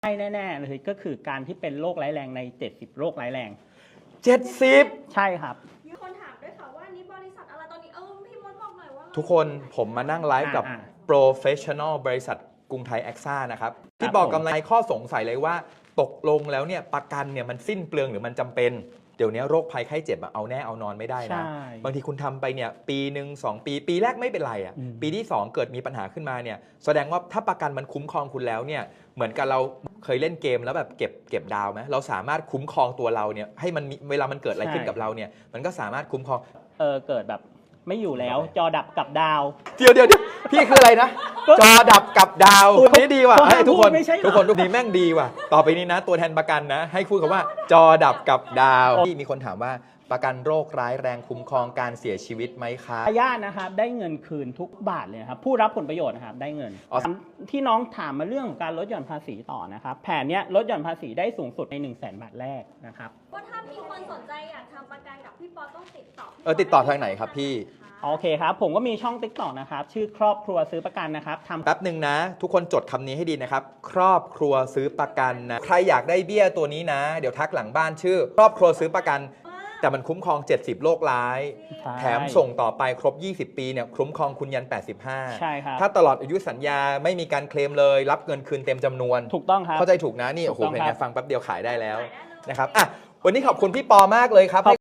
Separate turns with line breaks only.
ใช่แน่ๆเลยก็คือการที่เป็นโรคร้ายแรงใน70โรคร้ายแรง
70
ใช่ครับ
มีคนถามด้วยค่ะว่านี่บริษัทอะไรตอนนี้พี่มดบอกหน่อยว่า
ทุกคนผมมานั่งไลฟ์กับ Professional บริษัทกรุงไทยแอคซ่านะครับที่บอกกำไรข้อสงสัยเลยว่าตกลงแล้วเนี่ยประกันเนี่ยมันสิ้นเปลืองหรือมันจำเป็นเดี๋ยวนี้โรคภัยไข้เจ็บเอาแน่เอานอนไม่ได้นะบางทีคุณทำไปเนี่ยปีหนึ่ง2 ปีแรกไม่เป็นไรอ่ะปีที่2เกิดมีปัญหาขึ้นมาเนี่ยแสดงว่าถ้าประกันมันคุ้มครองคุณแล้วเนี่ยเหมือนกับเราเคยเล่นเกมแล้วแบบเก็บดาวไหมเราสามารถคุ้มครองตัวเราเนี่ยให้มันเวลามันเกิดอะไรขึ้นกับเราเนี่ยมันก็สามารถคุ้มครอง
เกิดแบบไม่อยู่แล้วจอดับกับดาว
เดี๋ยวพี่คืออะไรนะจอดับกับดาวนี่ดีว่ะทุกคนนี้แม่งดีว่ะต่อไปนี้นะตัวแทนประกันนะให้พูดคำว่าจอดับกับดาวที่มีคนถามว่าประกันโรคร้ายแรงคุ้มครองการเสียชีวิตไหมคะ
ญาตินะครับได้เงินคืนทุกบาทเลยครับผู้รับผลประโยชน์นะครับได้เงินที่น้องถามมาเรื่องของการลดหย่อนภาษีต่อนะครับแผนเนี้ยลดหย่อนภาษีได้สูงสุดใน 100,000 บาทแรกนะครับ
ว่าถ้ามีคนสนใจอยากทำประกันกับพี่ปอต้องติดต่อ
ติดต่อทางไหนครับพี่
โอเคครับผมก็มีช่อง TikTok นะครับชื่อครอบครัวซื้อประกันนะครับทำ
แป๊บหนึ่งนะทุกคนจดคำนี้ให้ดีนะครับครอบครัวซื้อประกันนะใครอยากได้เบี้ยตัวนี้นะเดี๋ยวทักหลังบ้านชื่อครอบครัวซื้อประกันแต่มันคุ้มครอง70โรคร้ายแถมส่งต่อไปครบ20ปีเนี่ยคุ้มครองคุณยัน85
ใช่ครับ
ถ้าตลอดอายุสัญญาไม่มีการเคลมเลยรับเงินคืนเต็มจำนวน
ถูกต้องครับ
เข้าใจถูกนะนี่โอ้โหเพลงนี้ฟังแป๊บเดียวขายได้แล้วนะครับอ่ะวันนี้ขอบคุณพี่ปอมากเลยครับ